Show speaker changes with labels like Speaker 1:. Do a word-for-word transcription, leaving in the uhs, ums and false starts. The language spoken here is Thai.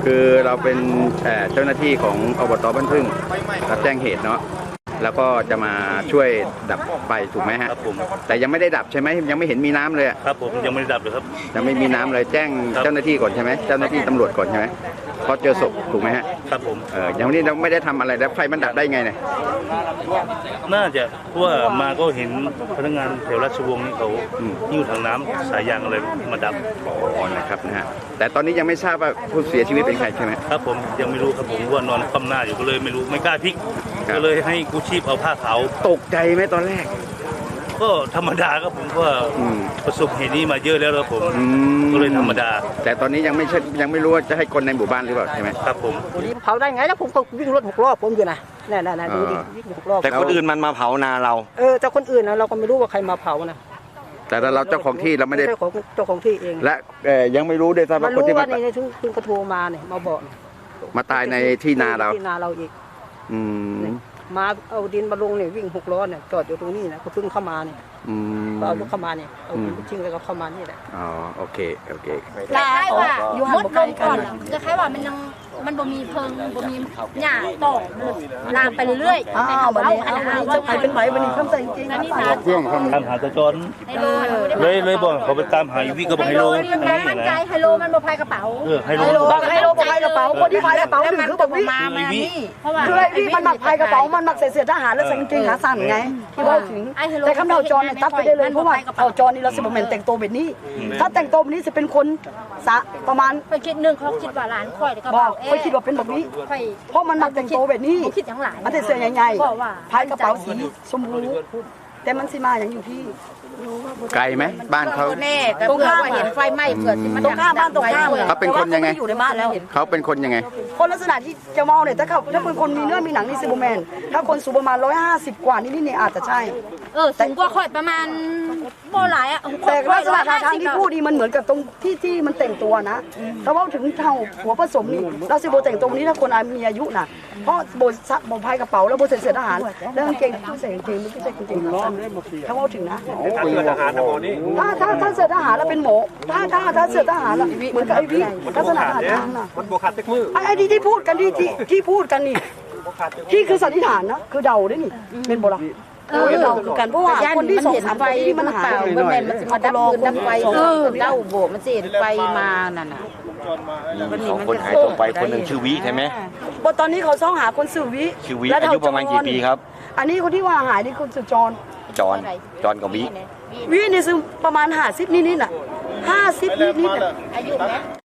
Speaker 1: คือเราเป็นเจ้าหน้าที่ของอบต.บ้านพึ่งรับแจ้งเหตุเนาะแล้วก็จะมาช่วยดับไฟถูกไหมฮะครับผมแต่ยังไม่ได้ดับใช่ไหมยังไม่เห็นมีน้ำเลย
Speaker 2: ครับผมยังไม่ได้ดับเลยครับ
Speaker 1: ยังไม่มีน้ำเลยแจ้งเจ้าหน้าที่ก่อนใช่ไหมเจ้าหน้าที่ตำรวจก่อนใช่ไหมพอเจอศพถูกไหมฮะ
Speaker 2: ครับผม
Speaker 1: เอออย่างนี้เราไม่ได้ทำอะไรแล้วไฟมันดับได้ไงเนี่ย
Speaker 2: น่าจะว่ามาก็เห็นพนักงานแถวราชวงศ์นี่เขาหิ้วถังน้ำสายยางอะไรมาดับ
Speaker 1: อ๋อนะครับนะฮะแต่ตอนนี้ยังไม่ทราบว่าผู้เสียชีวิตเป็นใครใช่ไหม
Speaker 2: ครับผมยังไม่รู้ครับผมว่านอนคว่ำหน้าอยู่ก็เลยไม่รู้ไม่กล้าพลิกก็เลยให้กู้ชีพเอาผ้าขาว
Speaker 1: ตกใจไหมตอนแรก
Speaker 2: ก็ธรรมดาครับผมก็ประสบเหตุนี้มาเยอะแล้วครับผมก็เลยธรรมดา
Speaker 1: แต่ตอนนี้ยังไม่ใช่ยังไม่รู้ว่าจะให้คนในหมู่บ้านหรือเปล่าใช่ไหม
Speaker 2: ครับผม
Speaker 3: เผาได้ไงแล้วผมก็วิ่งรถหกรอบผมอยู่นะนี่ๆๆดูดิวิ่งหกรอบ
Speaker 4: แต่คนอื่นมันมาเผานาเรา
Speaker 3: เออแต่คนอื่นนะเราก็ไม่รู้ว่าใครมาเผานะ
Speaker 1: แต่เราเจ้าของที่เราไม่ได้
Speaker 3: เจ้าของที่เอง
Speaker 1: และยังไม่รู้ด้วยซ้ำว่าคนที่
Speaker 3: มานี่ถึงถึงกระโทรมาเนี่ยมาบอก
Speaker 1: มาตายในที่นาเรา
Speaker 3: ที่นาเราอีก
Speaker 1: อืม
Speaker 3: มาเอาดินมาลงเนี่ยวิ่งหกล้อเนี่ยจอดอยู่ตรงนี้นะเขาเพิ่งเข้ามาเนี่ยก็เอารถเข้ามาเนี่ยเอาดินทิ้งแล้วก็เข้ามานี่แหละ
Speaker 1: อ๋อโอเคโอเค
Speaker 5: คล้ายว่ามดลงก่อนจะคล้ายว่ามันยังมันบ่มีเพิงบ่มีหญ้าตอกลามไปเรื่อยๆ
Speaker 3: อ้าวบัดนี้เอาจะไปเป็นไหมบัดนี้คำสั่งจริง
Speaker 5: ๆนี่
Speaker 2: นะเรื่องตามหาตะจอนเลยเลยบอกเขาไปตามหาอยู่พี่ก็บอกไฮโล
Speaker 5: นี่นะมั่นใจไฮโลมันบ่พายกระเป๋า
Speaker 2: เออไฮโล
Speaker 3: ไฮโลบ่พายกระเป๋าคนที่พายกระเป๋าถึงคือบอกวิคือไอ้พี่มันหมักพายกระเป๋ามันหมักใส่เสื้อทหารแล้วใส่กางเกงขาสั้นไงที่ว่าถึงแต่คำเดาจอนเนี่ยตัดไปได้เลยเพราะว่าเอาจอนนี่เราสิบแมนแต่งตัวแบบนี้ถ้าแต่งตัวแบบนี้จะเป็นคนสะประมาณ
Speaker 5: ไปคิดนึงเขาคิดว่าหลานค่อยกระเป๋า
Speaker 3: เขาคิดว่าเป็นแบบนี้เพราะมันหมักแต่งตัวแบบนี้
Speaker 5: คิดอย่างหลาน
Speaker 3: มันแต่เสื้อใหญ่ๆพายกระเป๋าสีชมพูแต่มันสิมาอย่างอยู่ที่
Speaker 1: ไกลไหมบ้านเขา
Speaker 5: ตรงข้ามเห็นไฟไหม้เผื่อ
Speaker 3: ตรงข้ามบ้านตรงข้าม
Speaker 1: เขาเป็นคนยังไง
Speaker 3: อยู่ในบ้านแล้ว
Speaker 1: เขาเป็นคนยังไง
Speaker 3: คนลักษณะที่จะเมาเนี่ยถ้าเขาถ้าเป็นคนมีเนื้อมีหนังนี่ซูเปอร์แมนถ้าคนสูงประมาณร้อยห้าสิบกว่านี่นี่อาจจะใช่
Speaker 5: เออสูงกว่าค่อยประมาณโบหลายอ่ะ
Speaker 3: แต่ลักษณะท่าทางที่พูดดีมันเหมือนกับตรงที่ที่มันแต่งตัวนะแต่ว่าถึงเท่าหัวผสมนี่เราสิโบแต่งตรงนี้ถ้าคนมีอายุน่ะเพราะโบซับโบพายกระเป๋าแล้วโบใส่เสื้อทหารแล้วกางเกงผู้ใส่กางเกงไม่ใช่กางเกงขาสั้นถ้าว่าถึงนะถ้าถ้าถ้าเสื้อทหารแล้วเป็นหมอถ้าถ้าถ้าเสื้อทหารแล้วเหมือนกับไอ้วิลักษณะท่าทางน่ะ
Speaker 4: มันโบขาดเต็กมือ
Speaker 3: ไอ้ที่ที่พูดกันที่ที่ที่พูดกันนี่ที่คือสันนิษฐานนะคือเดาด้วยนี่เป็นโบราณเออเดากันเพราะว่าคนที่สองสามไฟที่มันหาย
Speaker 5: มันแม่มันมาดับคืนดับไฟเออเดาโบมันสิไฟมานั่นน่ะ
Speaker 4: สองคนหายตัวไปคนหนึ่งชื่อวิใช่ไหม
Speaker 3: บตอนนี้เขาซ่องหาคนชื่อวิ
Speaker 4: ชื่อวิอายุประมาณกี่ปีครับ
Speaker 3: อันนี้คนที่ว่าหายนี่คนชื่อจอน
Speaker 4: จอนจอนกับวิ
Speaker 3: วินี่ซึ่งประมาณห้าสิบนิดๆน่ะห้าสิบนิดๆน่ะ
Speaker 5: อายุไหม